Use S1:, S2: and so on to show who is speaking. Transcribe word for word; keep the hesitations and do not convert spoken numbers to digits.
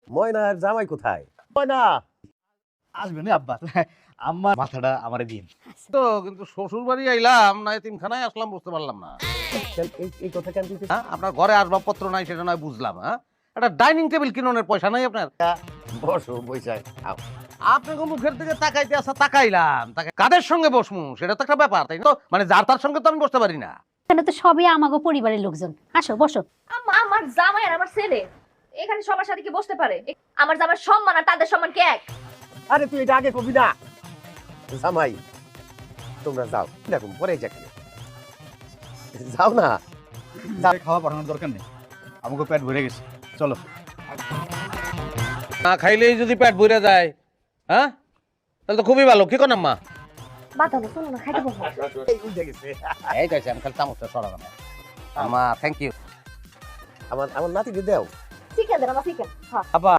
S1: ময়না আর জামাই কোথায়? ময়না
S2: আসবেন আব্বা, আম্মা মাথাটা আমারে দিন।
S3: তো কিন্তু শ্বশুর বাড়ি আইলাম না এতিমখানায় আসলাম বুঝতে পারলাম না।
S1: কেন- এই- এই কথা কেন দিতে?
S3: হ্যাঁ, আপনার ঘরে আসবাবপত্র নাই সেটা নয় বুঝলাম। হ্যাঁ, একটা ডাইনিং টেবিল কিনোনের পয়সা নাই আপনার।
S1: বসো বৈশাখ।
S3: আপনাকে মুখের দিকে তাকাইতে আসা তাকাইলাম, তাকে কাদের সঙ্গে বসমু সেটা তো একটা ব্যাপার, তাই না? তো মানে যার তার সঙ্গে তো আমি বসতে পারি না।
S4: এখানে তো সবই আমাগো পরিবারের লোকজন, আসো বসো।
S5: আম্মা আমার জামাই আর আমার ছেলে এখানে সবার সাথে কি বসতে পারে? এ- আমার জামার সম্মান আর তাদের সম্মান কি এক?
S1: আরে তুই এটা আগে কবি না। জামাই তোমরা যাও, দেখো পরে যাকে যাও না।
S2: খাওয়া পাঠানোর দরকার নেই, আমাকে পেট ভরে গেছে, চলো।
S3: না খাইলেই যদি পেট ভরে যায়, হ্যাঁ তাহলে তো খুবই ভালো। কি কোন আম্মা?
S5: বাতানো শোনো না, খাইতে বসো।
S1: এই উঠে গেছে।
S3: এই যাইছে, আমি খালি চামচটা সরালাম। আম্মা থ্যাংক ইউ।
S1: আমার আমার নাতিকে দাও।
S5: চিকেন দেন আমার চিকেন। হ্যাঁ
S3: আপা